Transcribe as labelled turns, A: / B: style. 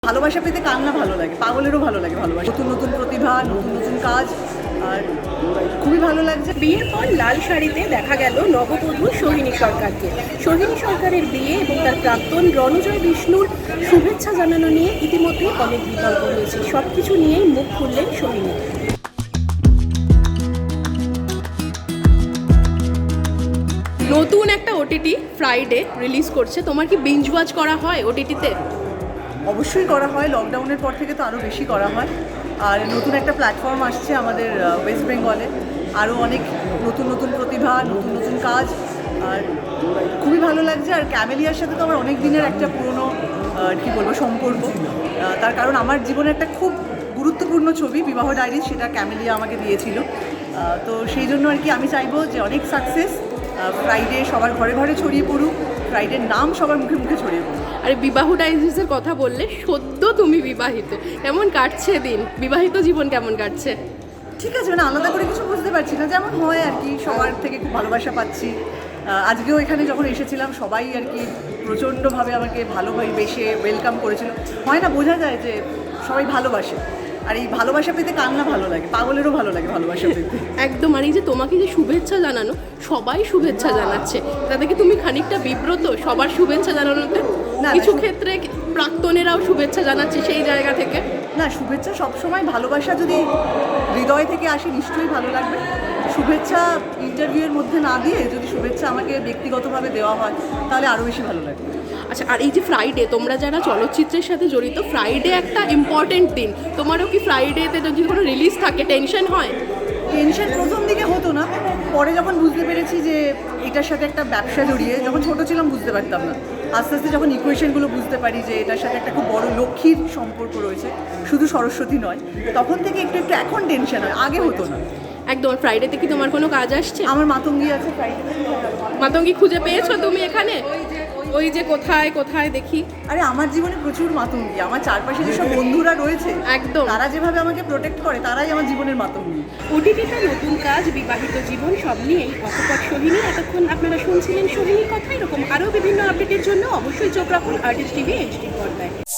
A: ভালোবাসা পেতে কার না ভালো লাগে, পাগলেরও ভালো লাগে ভালোবাসা। নতুন নতুন প্রতিভা, নতুন নতুন কাজ, আর খুবই ভালো লাগছে।
B: বিয়ের পর লাল শাড়িতে দেখা গেল নববধূ সোহিনী সরকারকে। সোহিনী সরকারের বিয়ে এবং তার প্রাক্তন রণজয় বিষ্ণুর শুভেচ্ছা জানানো নিয়ে ইতিমধ্যে অনেক বিতর্ক হয়েছে। সব কিছু নিয়েই মুখ খুললেন সোহিনী। নতুন একটা ওটিটি ফ্রাইডে রিলিজ করছে, তোমার কি বিঞ্জ ওয়াচ করা হয় ওটিটিতে?
A: অবশ্যই করা হয়, লকডাউনের পর থেকে তো আরও বেশি করা হয়। আর নতুন একটা প্ল্যাটফর্ম আসছে আমাদের ওয়েস্ট বেঙ্গলে, আরও অনেক নতুন নতুন প্রতিভা, নতুন নতুন কাজ, আর খুবই ভালো লাগছে। আর ক্যামেলিয়ার সাথে তো আমার অনেক দিনের একটা পুরনো কী বলবো সম্পর্ক, তার কারণ আমার জীবনে একটা খুব গুরুত্বপূর্ণ ছবি বিবাহ ডায়েরি, সেটা ক্যামেলিয়া আমাকে দিয়েছিল। তো সেই জন্য আর কি আমি চাইবো যে অনেক সাকসেস, ফ্রাইডে সবার ঘরে ঘরে ছড়িয়ে পড়ুক, ফ্রাইডের নাম সবার মুখে মুখে ছড়িয়ে পড়ুক।
B: আরে বিবাহ ডাইজেসের কথা বললে, সদ্য তুমি বিবাহিত, কেমন কাটছে দিন? বিবাহিত জীবন কেমন কাটছে?
A: ঠিক আছে, মানে আলাদা করে কিছু বুঝতে পারছি না, যেমন হয় আর কি, সবার থেকে খুব ভালোবাসা পাচ্ছি। আজকেও এখানে যখন এসেছিলাম সবাই আর কি প্রচণ্ডভাবে আমাকে ভালোভাবে বেশে ওয়েলকাম করেছিল। হয় না, বোঝা যায় যে সবাই ভালোবাসে, আর এই ভালোবাসা পেতে কার না ভালো লাগে, পাগলেরও ভালো লাগে ভালোবাসা পেতে।
B: একদম। আর এই যে তোমাকে যে শুভেচ্ছা জানানো, সবাই শুভেচ্ছা জানাচ্ছে, তাতে কি তুমি খানিকটা বিব্রত সবার শুভেচ্ছা জানানোতে?
A: না,
B: কিছু ক্ষেত্রে প্রাক্তনেরাও শুভেচ্ছা জানাচ্ছে সেই জায়গা থেকে।
A: না, শুভেচ্ছা সবসময়, ভালোবাসা যদি হৃদয় থেকে আসে নিশ্চয়ই ভালো লাগবে। শুভেচ্ছা ইন্টারভিউয়ের মধ্যে না দিয়ে যদি শুভেচ্ছা আমাকে ব্যক্তিগতভাবে দেওয়া হয় তাহলে আরও বেশি ভালো লাগবে।
B: আচ্ছা, আর এই যে ফ্রাইডে, তোমরা যারা চলচ্চিত্রের সাথে জড়িত, ফ্রাইডে একটা ইম্পর্টেন্ট দিন, তোমারও কি ফ্রাইডেতে যদি কোনো রিলিজ থাকে টেনশন হয়?
A: টেনশন প্রথম দিকে হতো না, পরে যখন বুঝতে পেরেছি যে এটার সাথে একটা ব্যবসা জড়িয়ে, যখন ছোটো ছিলাম বুঝতে পারতাম না, আস্তে আস্তে যখন ইকুয়েশনগুলো বুঝতে পারি যে এটার সাথে একটা খুব বড় লক্ষ্মীর সম্পর্ক রয়েছে, শুধু সরস্বতী নয়, তখন থেকে একটু একটু এখন টেনশন হয়, আগে হতো না।
B: একদম। ফ্রাইডেতে কি তোমার কোনো কাজ আসছে?
A: আমার মাতঙ্গি আছে ফ্রাইডে।
B: মাতঙ্গি খুঁজে পেয়েছো তুমি এখানে? ওই যে কোথায় কোথায় দেখি।
A: আরে আমার জীবনে প্রচুর মাতঙ্গি, আমার চারপাশে যেসব বন্ধুরা রয়েছে
B: একদম,
A: তারা যেভাবে আমাকে প্রোটেক্ট করে, তারাই আমার জীবনের মাতঙ্গি।
B: ওটিটিতে নতুন কাজ, বিবাহিত জীবন, সব নিয়েই অকপট সোহিনী। এতক্ষণ আপনারা শুনছিলেন সোহিনীর কথা। এরকম আরও বিভিন্ন আপডেটের জন্য অবশ্যই চোখ রাখুন আর্টিস্ট টিভি HD পর্দায়।